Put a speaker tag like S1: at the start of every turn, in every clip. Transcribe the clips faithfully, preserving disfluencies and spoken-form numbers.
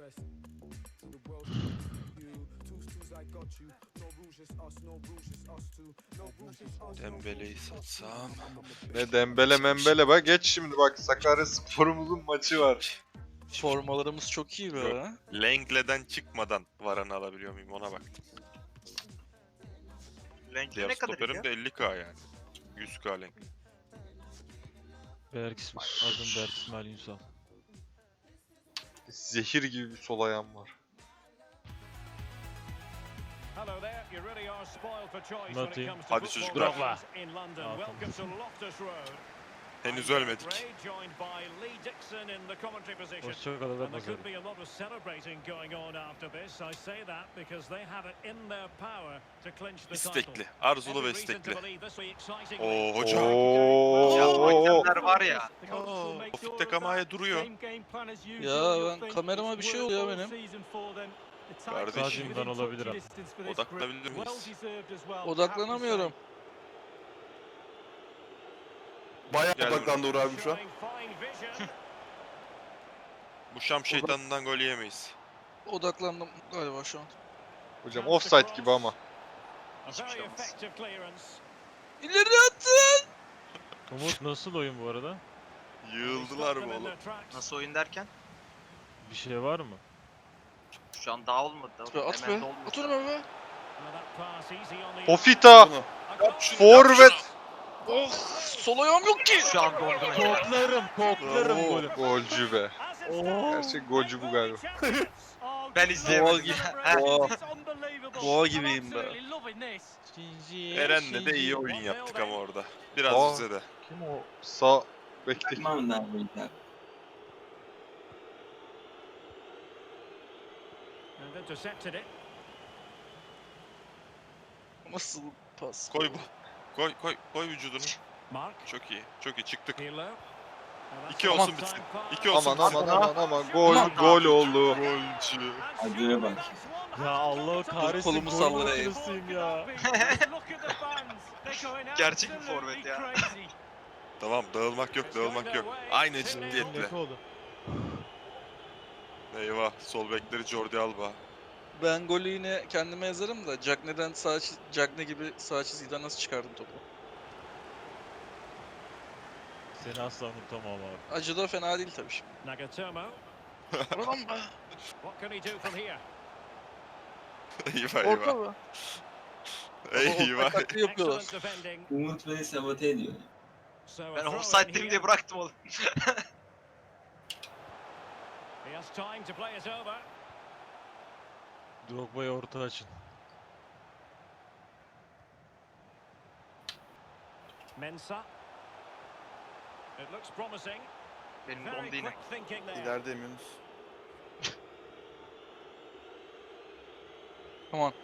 S1: Dembele'yi satsam.
S2: Ne Dembele membele bak geç şimdi bak Sakaryaspor'umuzun maçı var.
S3: Formalarımız çok iyi be.
S1: Yok. Lengle'den çıkmadan Varan'ı alabiliyor muyum ona bak.
S4: Renkli
S1: Diğer
S4: ne kadar
S1: stoperim
S4: ya?
S1: de elli k yani. yüz k Lengle.
S5: Berk İsmail, adım Berk İsmail Ünsal.
S2: Zehir gibi bir sol ayağım var.
S5: Not iyi.
S1: Hadi çocuklar.
S5: Drogba.
S1: Henüz ölmedik.
S5: Hoşçakalın ve nazarı.
S1: İstekli. Arzulu ve istekli. Oo hocam.
S4: Ya
S2: Oo.
S4: hakemler var ya.
S1: Tofik de Kamaya duruyor.
S3: Ya ben kamerama bir şey oluyor benim.
S1: Kardeşim.
S5: Stadyumdan olabilir abi.
S1: Odaklanabilir miyiz?
S3: Odaklanamıyorum.
S6: Bayağı
S1: Gel
S6: odaklandı Uğur abim şu an.
S1: Bu Şam şeytanından gol yemeyiz.
S3: Odaklandım galiba şu an.
S2: Hocam offside gibi ama.
S4: Hiçbir şey olmaz.
S3: İleri attın!
S5: Umut nasıl oyun bu arada?
S1: Yığıldılar mı oğlum?
S4: Nasıl oyun derken?
S5: Bir şey var mı?
S4: Şu an daha olmadı.
S3: At be, at
S4: Hemen
S3: be.
S4: de olmadı.
S3: At onu be.
S2: Pofita.
S6: Bunu.
S2: Forvet.
S3: Oh! Sol ayağım yok ki!
S4: Şu an dondum.
S5: Koklarım, koklarım
S2: Oo,
S5: golü.
S2: golcü be. Gerçek golcü bu galiba.
S4: Ben izleyemedim.
S3: gibi.
S4: He.
S3: Boğa. Boğa gibiyim be.
S1: Eren'le de iyi oyun yaptık ama orada. Biraz
S2: Aa.
S1: bize de.
S2: Kim o? Sağ bekle.
S3: Nasıl pas?
S1: Koy bu. Koy koy koy vücudunu. Çok iyi. Çok iyi çıktık. İki
S3: Aman.
S1: olsun bitsin. İki olsun
S2: Aman
S1: bitsin.
S2: aman aman aman gol
S4: Aman.
S2: gol oldu.
S1: Golcü.
S7: Acıya bak.
S5: Ya Allah kahretsin.
S3: kolumu
S5: gol
S3: sallayayım.
S5: makinesiyim ya.
S4: Gerçek bir forvet ya.
S1: Tamam dağılmak yok dağılmak yok. Aynı ciddiyetle.
S5: Ne oldu?
S1: Eyvah sol bekleri Jordi Alba.
S3: Ben golü yine kendime yazarım da Cagney'den sağ çiz- Cagney gibi sağ çizgiden nasıl çıkardım topu?
S5: Seni asla unutamam abi.
S3: Acı da fena değil tabii şimdi. Oradan be.
S1: Eyvah
S3: Orta
S1: eyvah.
S3: be.
S1: Eyvah.
S3: Orta taktiği yapıyorlar.
S7: Umut beni sabote ediyor.
S4: Ben offside'deyim diye bıraktım oğlum.
S5: Drogba'yı orta açın.
S8: Mensah. It looks promising.
S4: Benim
S8: Very
S4: dondu yine.
S8: quick thinking there.
S6: İlerideyim Yunus.
S3: Aman.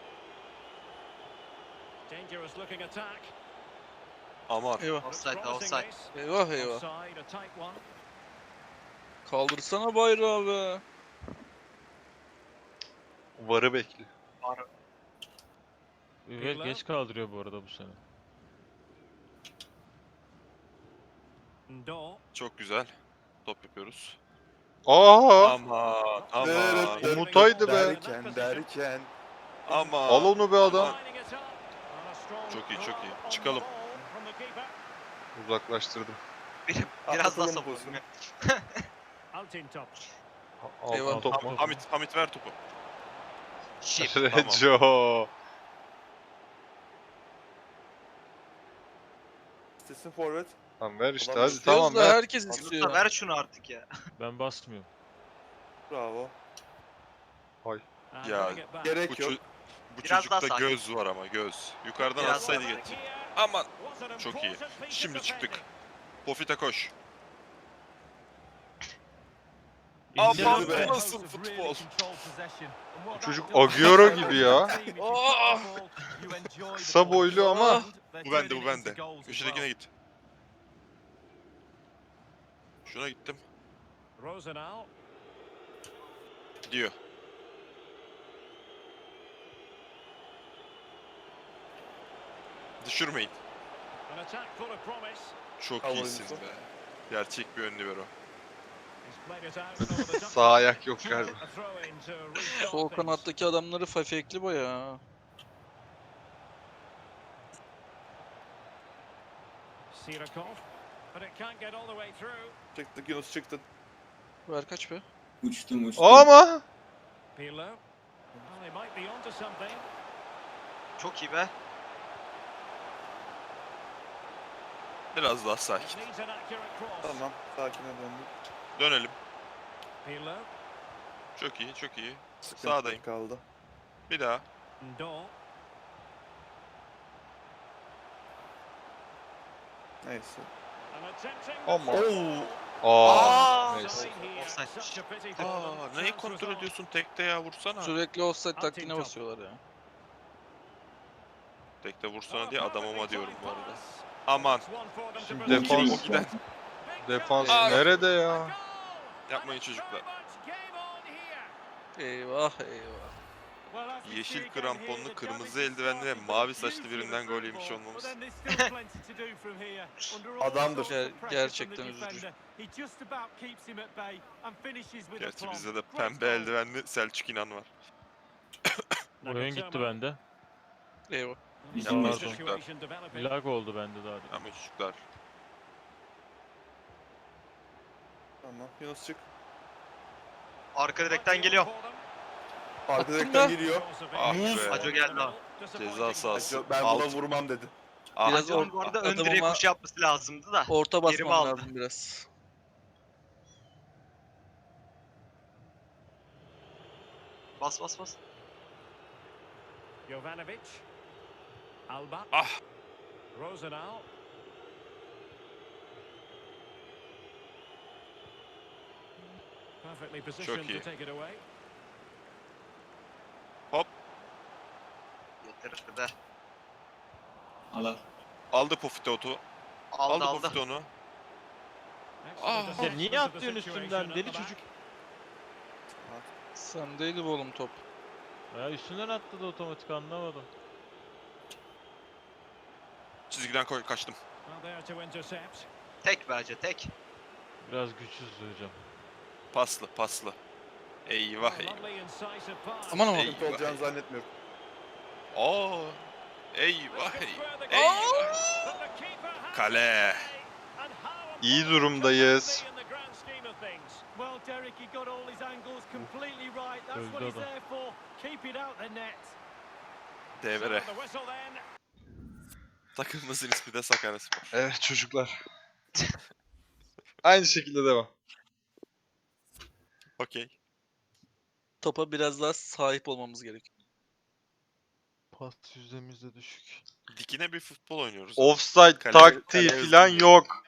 S8: Dangerous looking attack.
S1: Aman.
S3: Eyvah.
S8: Looks
S4: Offside,
S8: promising
S4: offside.
S8: this.
S3: Eyvah eyvah.
S8: Offside, a tight one.
S3: Kaldırsana bayrağı be.
S2: Varı bekle.
S5: Ve geç kaldırıyor bu arada bu sene.
S8: Ndo.
S1: Çok güzel. Top yapıyoruz.
S2: Aa!
S1: Aman aman.
S6: Evet, evet.
S2: Umutaydı be.
S6: Derken derken.
S1: Aman.
S2: Al onu be adam.
S8: Lining it up. And a strong
S1: Çok iyi, çok iyi.
S8: draw on
S1: Çıkalım.
S8: the ball from the keeper.
S2: Uzaklaştırdım.
S4: Biraz daha
S6: Atlatalım
S4: sapalım.
S6: pozisyonu.
S8: Altintop.
S3: Eyvah.
S2: Altın top mu?
S1: Ham- Hamit, Hamit ver topu.
S4: Şif.
S2: Reco.
S6: İstesin forvet.
S2: Tamam ver işte
S6: Ulan
S2: hadi
S6: istiyoruz
S2: tamam
S3: da
S2: ver.
S3: herkes
S4: Yunus
S3: istiyor.
S4: da ver şunu artık ya.
S5: Ben basmıyorum.
S6: Bravo.
S8: And
S1: Ya,
S8: bring it back.
S1: Bu,
S6: Gerek
S1: ço-
S6: yok.
S1: bu
S4: Biraz daha
S1: çocukta
S4: sakin.
S1: göz var ama göz. Yukarıdan
S4: Biraz
S1: atsaydı
S4: daha
S1: getir.
S8: Here
S1: Aman.
S8: was an
S1: Çok iyi.
S8: important piece
S1: Şimdi
S8: of
S1: çıktık.
S8: defending.
S1: Pofita koş.
S5: İndir
S1: Aman
S6: be.
S1: bu nasıl futbol?
S2: Bu çocuk Agüero gibi ya.
S3: Aa!
S2: Kısa boylu ama.
S1: Bu bende bu bende. Köşedekine git. Şuna gittim.
S8: Rosenau.
S1: Diyor. Düşürmeyin.
S8: An attack full of promise.
S1: Çok
S6: Bravo
S1: iyisin
S6: Yusuf.
S1: be. Gerçek bir ön libero.
S8: He's
S2: Sağ ayak yok galiba.
S3: Sol kanattaki adamları fafekli bayağı.
S8: Sirakov, but it can't get all the way through.
S6: Çıktık Yunus çıktın.
S3: Ver kaç be?
S7: Uçtum uçtum.
S2: Ama
S8: Pirlo. Well, they might be onto something.
S4: Çok iyi be.
S1: Biraz daha sakin.
S8: Needs an accurate cross.
S6: Tamam. Sakine döndük.
S1: Dönelim.
S8: Pirlo.
S1: Çok iyi, çok iyi.
S6: Sıkıntı
S1: Sağdayım.
S6: kaldı.
S1: Bir daha.
S8: Ndo.
S6: Neyse.
S8: And attempting.
S2: Ama.
S6: Oo.
S2: Aa.
S4: Aa,
S2: Neyse.
S4: Offside.
S8: Such a pity for
S1: Aa,
S8: them.
S1: neyi
S8: Chance
S1: kontrol
S8: resolved.
S1: ediyorsun tekte ya vursana.
S3: Sürekli offside taktiğine basıyorlar ya.
S1: Tekte
S8: Oh,
S1: vursana diye adamıma diyorum bu arada.
S8: pass.
S1: Aman.
S8: It's one for them to
S2: Şimdi
S8: believe.
S2: defans-
S1: O giden.
S2: Defans
S1: Aa.
S2: nerede
S8: A
S2: ya?
S8: goal.
S1: Yapmayın
S8: And it's
S1: çocuklar.
S8: very much game on here.
S3: Eyvah eyvah.
S8: Well, as we see
S1: Yeşil
S8: again
S1: kramponlu,
S8: here, the
S1: kırmızı
S8: damage is
S1: eldivenli ve
S8: starting
S1: mavi
S8: to
S1: saçlı
S8: do
S1: birinden
S8: for
S1: gol
S8: the
S1: yemiş
S8: football,
S1: olmamız.
S8: but then there's still plenty to do from here. Under all
S6: Adamdır.
S8: sorts of
S3: Ger-
S8: pressure
S3: gerçekten
S8: from the
S3: üzücü.
S8: defender, he just about keeps him at bay and finishes with a
S1: Gerçi
S8: plum.
S1: bizde de
S8: Great
S1: pembe
S8: goal.
S1: eldivenli Selçuk İnan var.
S5: Oyun gitti bende.
S3: Eyvah.
S5: Bizim
S1: Yapmayın
S5: pardon.
S1: çocuklar.
S8: Situation developing.
S5: Lag oldu bende daha. demin.
S1: Yapmayın çocuklar.
S6: Tamam. Yunus çık.
S4: Arka direkten geliyor.
S6: Arka
S3: Attın
S6: direkten
S3: mı?
S6: geliyor.
S1: Ah
S6: Muz.
S1: be.
S4: Aco geldi ha.
S1: Ceza sahası.
S6: Ben buna
S1: Alt.
S6: vurmam dedi.
S1: Ah,
S3: Biraz
S4: Biraz
S3: or-
S4: bu arada ön
S3: adamıma-
S4: direğe koşu yapması lazımdı da.
S3: Orta
S4: Yerimi
S3: basmam
S4: aldı.
S3: lazım biraz.
S4: Bas bas bas.
S8: Jovanovic. Alba.
S1: Ah.
S8: Rosenau. Perfectly positioned
S1: iyi.
S8: to take it away.
S4: Yeter be.
S7: Al al.
S1: aldı Pofito'tu.
S4: Aldı
S1: Aldı
S4: aldı.
S1: Pofito'nu.
S8: Excellent
S1: Ah.
S8: assessment
S5: Ya niye
S8: of the
S5: atlıyorsun
S8: situation
S5: üstümden
S8: at
S5: deli
S8: the back.
S5: çocuk?
S3: Sendeydi bu oğlum top.
S5: Ya üstünden atladı otomatik anlamadım.
S1: Çizgiden koy kaçtım.
S8: Well, there to intercept.
S4: Tek bence tek.
S5: Biraz güçsüz hocam.
S1: Paslı paslı. Eyvah eyvah.
S8: Lovely incisive pass.
S3: Aman aman.
S1: Ey.
S6: Sıkıntı olacağını zannetmiyorum.
S1: Aa. Eyvah
S8: This could
S1: eyvah.
S8: square the
S1: Eyvah.
S8: goal, but the keeper has
S1: Kale.
S8: it. And how
S2: İyi
S8: important
S2: durumdayız.
S8: can that be in the grand scheme of things? Well, Derek, he got all his angles completely right. That's
S5: Öldü
S8: what he's
S5: adam.
S8: there for. Keep it out the net.
S1: Devre.
S8: So the whistle then.
S1: Takımımızın ismi de Sakaryaspor.
S2: Evet çocuklar. Aynı şekilde devam.
S1: Okey.
S3: Topa biraz daha sahip olmamız gerekiyor.
S5: Pas yüzdemiz de düşük.
S1: Dikine bir futbol oynuyoruz.
S2: Offside
S1: Kale-
S2: taktiği
S1: kale
S2: falan
S1: hızlı.
S2: yok.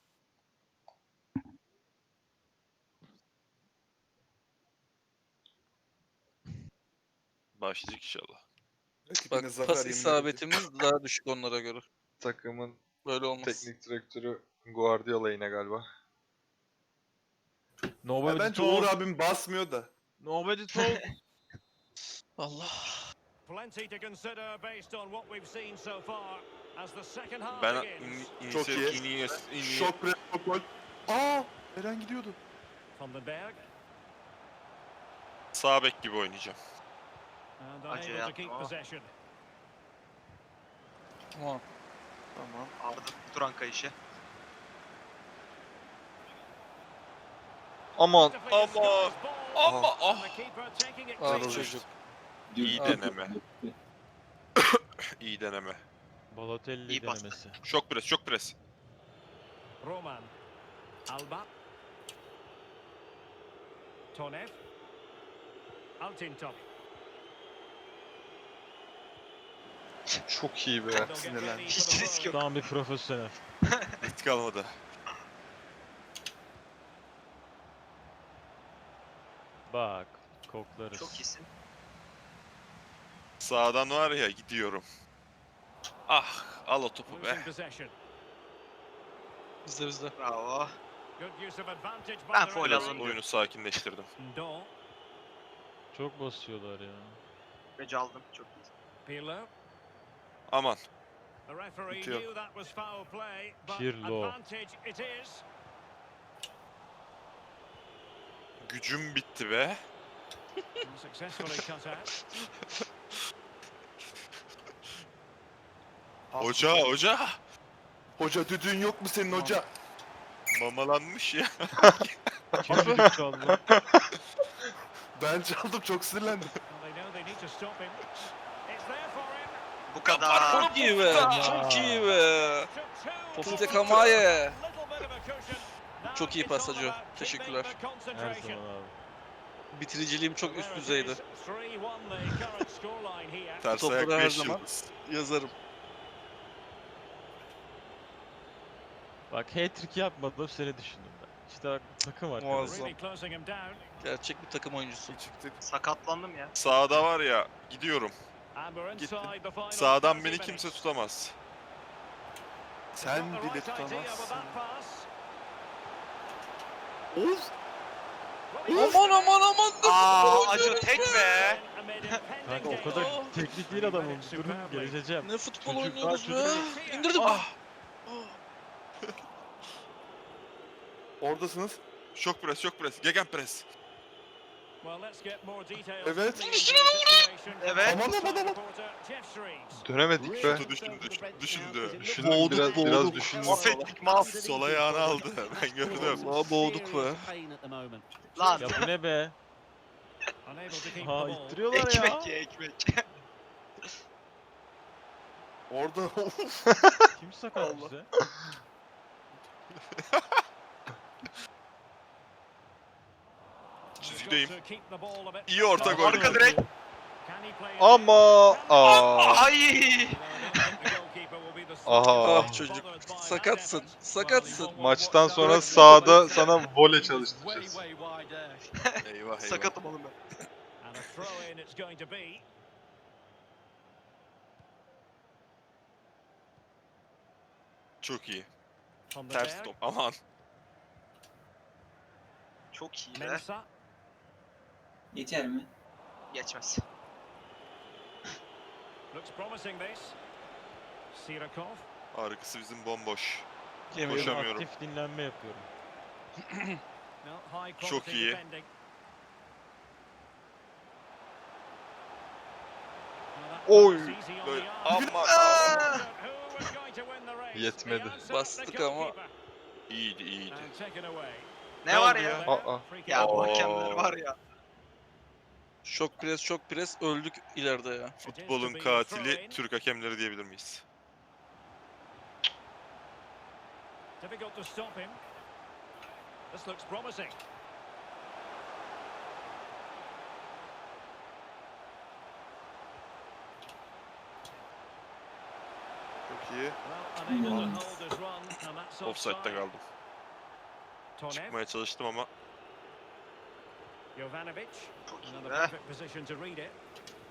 S1: Başlayacak inşallah.
S6: Rakibine
S3: Bak
S6: zafer
S3: pas
S6: yemin edildi.
S3: isabetimiz daha düşük onlara göre.
S2: Takımın
S3: Böyle olmaz.
S2: teknik direktörü Guardiola yine galiba.
S6: Ya
S5: Nobody
S6: bence Uğur
S5: talk.
S6: abim basmıyor da.
S5: Nobody talk.
S3: Allah.
S8: Plenty to consider based on what we've seen so far as the second half
S1: Ben
S8: begins.
S1: in,
S6: Çok iyi.
S1: Inies, Inies,
S6: Şok pre gol. Aa! Eren gidiyordu.
S8: Vandenberg.
S1: sağ bek gibi oynayacağım.
S8: And
S4: Acı
S8: unable to keep
S4: yapma.
S8: possession.
S3: Tamam.
S6: Tamam.
S4: Arda Turan kayışı.
S2: Aman.
S8: Beautifully
S1: Ama-
S8: disguised ball.
S1: Ama
S8: And
S1: ah.
S8: the keeper taking it
S3: Ah
S8: cleanly.
S3: çocuk.
S1: İyi
S7: Dürttü.
S1: deneme. İyi deneme.
S5: Balotelli
S4: İyi bastı.
S5: denemesi.
S1: Şok pres, şok pres.
S8: Roman. Alba. Tonev. Altintop.
S2: Çok iyi be.
S8: They'll get
S6: sinirlendim.
S8: ready for
S4: Hiç
S8: the
S4: risk
S8: throw.
S4: yok.
S5: Tam bir profesyonel.
S1: Risk kalmadı.
S5: Bak koklarız.
S4: Çok iyisin.
S1: Sağdan var ya gidiyorum. Ah, al o topu
S8: Losing
S1: be.
S8: possession.
S3: Bizde bizde.
S4: Bravo.
S8: Good use of advantage by
S4: Ben
S8: the
S4: foul
S8: referee.
S4: alındı.
S1: Oyunu sakinleştirdim.
S8: Ndo.
S5: Çok basıyorlar ya.
S4: Ve aldım. Çok iyi.
S8: Pirlo.
S1: Aman.
S8: The referee
S6: Bitiyor.
S8: knew that was foul play, but
S5: Pirlo.
S8: advantage it is.
S1: gücüm bitti be.
S8: Successfully cut out.
S1: Hoca hoca.
S6: Hoca düdüğün yok mu senin hoca?
S1: Mamalanmış ya.
S5: Kim düdük çaldı?
S6: Ben çaldım çok sinirlendim.
S8: Well, they know they need to stop him. It's there for him.
S4: Bu kadar.
S3: Çok iyi be. Çok iyi be.
S8: Took two.
S3: Pofite Kamaye.
S8: Little bit of a cushion. Now
S3: Çok iyi
S8: it's all
S3: pasajı.
S8: about
S3: Teşekkürler.
S8: keeping the
S5: Her
S8: concentration.
S5: zaman abi.
S3: Bitiriciliğim çok üst düzeydi.
S8: three one the current scoreline here.
S1: Ters
S3: Topları
S1: ayak
S3: her
S1: beş
S3: zaman.
S1: yıldız.
S3: Yazarım.
S5: Bak hat-trick yapmadım seni düşündüm ben. İşte bak takım arkadaşı.
S3: Muazzam.
S8: Really closing him down.
S3: Gerçek bir takım oyuncusu.
S6: Çıktık.
S4: Sakatlandım ya.
S1: Sağda var ya gidiyorum.
S8: And we're
S1: Gittim.
S8: inside the final
S1: Sağdan
S8: thirty
S1: beni
S8: minutes.
S1: kimse tutamaz.
S6: Sen
S8: Got the
S6: bile
S8: right idea with
S6: tutamazsın.
S8: that pass.
S6: Oğuz.
S3: Aman aman aman.
S4: Aa acı tek be.
S5: Kanka o kadar teknik değil adamım. Durun gelişeceğim.
S3: Ne futbol
S5: Çocuk-
S3: oynuyoruz
S5: Aa,
S3: be.
S5: çocuk-
S3: İndirdim.
S1: Ah!
S6: Oradasınız.
S1: Şok pres, şok pres, gegen pres.
S8: Well, let's get more details.
S6: Evet.
S8: from the situation.
S4: Evet.
S6: Aman aman aman.
S8: Reporter Jeff Shreves.
S2: Dönemedik be.
S1: Şutu düşündü, düşündü.
S2: Düşündüm
S3: Boğduk,
S2: biraz,
S3: boğduk.
S2: biraz düşündüm.
S4: Affettik mal.
S1: Sol ayağını aldı. Ben gördüm.
S3: Vallahi boğduk be.
S4: Lan.
S5: Ya bu ne be?
S8: Unable to keep the
S5: Ha
S8: ball.
S5: ittiriyorlar ya.
S4: Ekmek ye ekmek.
S6: Orada
S5: Kim sakat bize?
S1: Çizgideyim.
S8: Got to keep the ball a bit
S1: İyi orta gol.
S4: Arka direkt.
S8: Can he play it
S2: Ama
S8: in?
S2: aa.
S4: Ay.
S8: Well, I don't think the goalkeeper will be the
S2: Aha.
S8: strongest
S3: Ah çocuk.
S8: bothered by that
S3: Sakatsın.
S8: effort.
S3: Sakatsın.
S2: Maçtan sonra sahada sana voley çalıştıracağız.
S1: Eyvah eyvah.
S4: Sakatım oğlum ben.
S8: And a throw in it's going to be.
S1: Çok iyi.
S8: On the
S1: Ters
S8: berg.
S1: top. Aman.
S4: Çok iyi be.
S8: Mensah.
S7: Geçer mi?
S4: Geçmez.
S8: Looks promising this. Sirakov.
S1: Arkası bizim bomboş.
S3: Yemeyelim.
S1: Koşamıyorum.
S5: Aktif dinlenme yapıyorum.
S8: No, high
S1: Çok
S8: quality
S1: iyi.
S8: defending. Well, that
S2: Oy.
S8: was easy on
S1: Böyle
S8: the arm.
S1: aman.
S8: Who was going to win the race?
S2: Yetmedi.
S8: The answer,
S3: Bastık
S8: the
S3: ama.
S8: goalkeeper.
S1: İyiydi iyiydi.
S8: And taken away.
S4: Ne var
S1: oldu
S4: ya?
S1: ya?
S2: Aa.
S8: Free kick.
S4: Ya bu
S1: Oo.
S4: hakemler var ya.
S3: Şok pres şok pres öldük ileride ya.
S1: Futbolun katili Türk hakemleri diyebilir miyiz?
S8: Difficult to stop him. This looks promising.
S6: çok iyi.
S8: Well, unable to hold his run, and that's
S1: Offside'da
S8: offside.
S1: kaldım.
S8: Tonev,
S1: Çıkmaya çalıştım ama
S8: Jovanovic.
S4: Çok iyi
S8: Another
S4: be.
S8: perfect position to read it.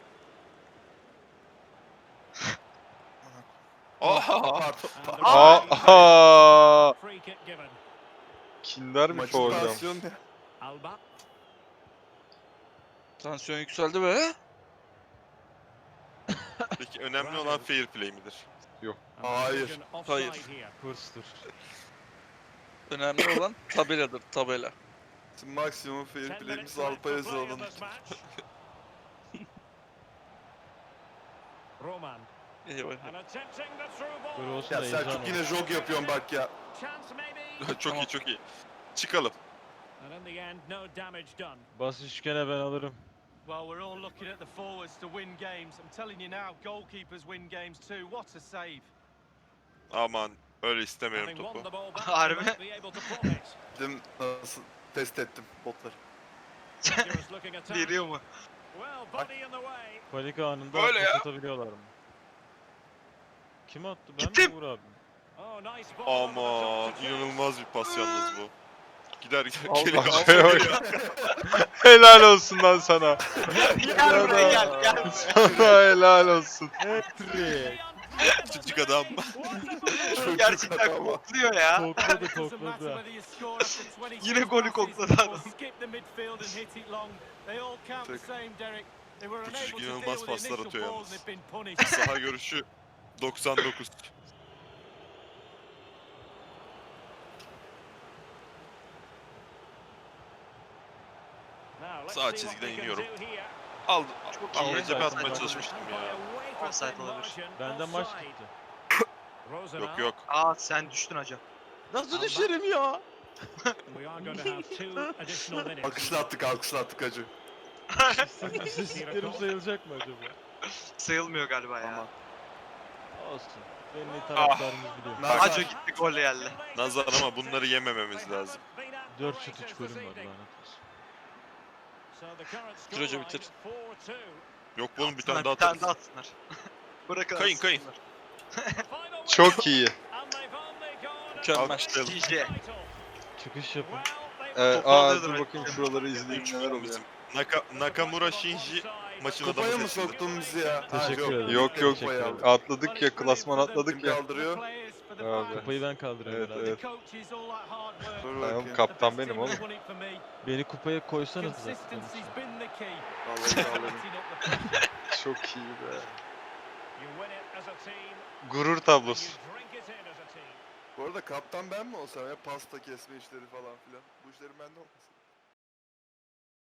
S1: Aha!
S6: Pardon.
S8: And the
S2: Aa. Aa.
S8: free kick given.
S2: Kindermiş o hocam.
S6: Maçın ne?
S8: Alba.
S3: Tansiyon yükseldi be.
S1: Peki önemli olan fair play midir?
S8: And
S6: Hayır.
S8: decision offside
S3: Hayır.
S8: here.
S5: Hırsdır.
S3: Önemli olan tabeladır tabela.
S6: Şimdi maksimum fair
S8: Ten
S6: play'imiz
S8: minutes left
S6: Alp'a
S8: to play in
S6: yazalım.
S8: this match. Roman.
S3: Eyvah.
S8: And attempting the through
S5: Böyle
S8: ball.
S5: olsun
S6: Ya
S5: da heyecan
S6: Selçuk
S5: olur.
S6: yine jog yapıyorsun bak ya.
S8: Chance maybe.
S1: çok
S3: Tamam.
S1: iyi çok iyi. Çıkalım.
S8: And in the end, no damage done.
S5: Bas üçgene ben alırım.
S9: Well, we're all looking at the forwards to win games. I'm telling you now, goalkeepers win games too. What a save.
S1: Aman öyle istemiyorum
S8: Having won
S1: topu.
S8: the ball back,
S4: Harbi.
S8: they might be able to profit.
S6: Dedim nasıl test ettim botları.
S8: Dangerous looking attack.
S4: Veriyor mu?
S8: Well, body in the way.
S5: Panik anında
S1: Böyle ya.
S5: atabiliyorlar mı? Kim attı? Ben
S4: Gittim.
S5: mi Uğur abi?
S8: Oh, nice ball over the
S1: Aman
S8: top to
S1: inanılmaz bir pas yalnız bu. Gider gider
S3: Allah
S1: geliyor.
S2: Şuraya bak. Helal olsun lan sana.
S4: Gel buraya gel gel.
S2: Sana helal olsun.
S5: Hat-trick.
S1: Küçük adam.
S6: Çocuk
S4: Gerçekten
S6: ama.
S4: kokluyor ya.
S5: Kokladı
S9: It doesn't matter
S5: kokladı.
S9: whether you score after twenty
S4: Yine golü
S9: passes
S4: kokladı
S9: or
S4: adam.
S9: skip the midfield and hit it long. They all count the
S6: Tek.
S9: same, Derek. They were
S1: Bu
S9: unable
S1: çocuk
S9: to deal
S1: inanılmaz
S9: with the
S1: paslar
S9: initial
S1: atıyor
S9: ball and
S1: yalnız.
S9: they've been punished.
S1: Saha görüşü doksan dokuz. Sağ çizgiden iniyorum. Al,
S4: Çok
S1: al,
S4: iyi.
S1: cebe atmaya
S4: Offside
S1: çalışmıştım ya.
S4: Offside olabilir.
S5: Benden maç gitti.
S1: Yok yok.
S4: Aa sen düştün hacı.
S5: Nasıl düşerim ya?
S6: Alkışla attık alkışla attık hacı.
S5: Sistemlerim sayılacak mı acaba?
S4: Sayılmıyor galiba ya.
S6: Aman.
S5: Olsun. Benim taraftarımız biliyor.
S6: Nazar.
S4: Hacı gitti gol geldi.
S1: Nazar ama bunları yemememiz lazım.
S5: dört şut üç golüm var lanet olsun.
S3: Bitir hoca, bitir.
S1: Yok bunun bir
S4: Bir
S1: tane daha
S4: tane
S1: atarız.
S4: daha atsınlar. Bırakın
S1: Kayın, kayın.
S4: atsınlar.
S2: Çok iyi.
S3: Mükemmel.
S1: Alkışlayalım.
S4: G G.
S5: Çıkış yapın.
S2: Ee,
S4: Topu
S2: aa
S4: alıyordu
S2: dur
S4: belki.
S2: bakayım şuraları izleyeyim neler oluyor.
S1: Bizim Naka, Nakamura Shinji maçın adamı
S6: Kupaya mı
S1: seçildi.
S6: soktun bizi ya?
S5: Teşekkür
S6: Ha,
S5: ederim.
S2: Yok yok
S5: Teşekkür ederim.
S2: atladık ya klasman atladık
S6: Kim
S2: ya.
S6: kaldırıyor?
S2: Abi.
S5: Kupayı ben kaldırıyorum
S2: Evet
S5: herhalde.
S2: evet.
S6: Dur
S2: Tamam
S6: bakayım.
S2: kaptan benim oğlum.
S5: Beni kupaya koysanız da.
S6: Vallahi kaldırdım.
S2: Çok iyi be. Gurur tablosu.
S6: Bu arada kaptan ben mi olsam ya pasta kesme işleri falan filan. Bu işlerin bende olmasın.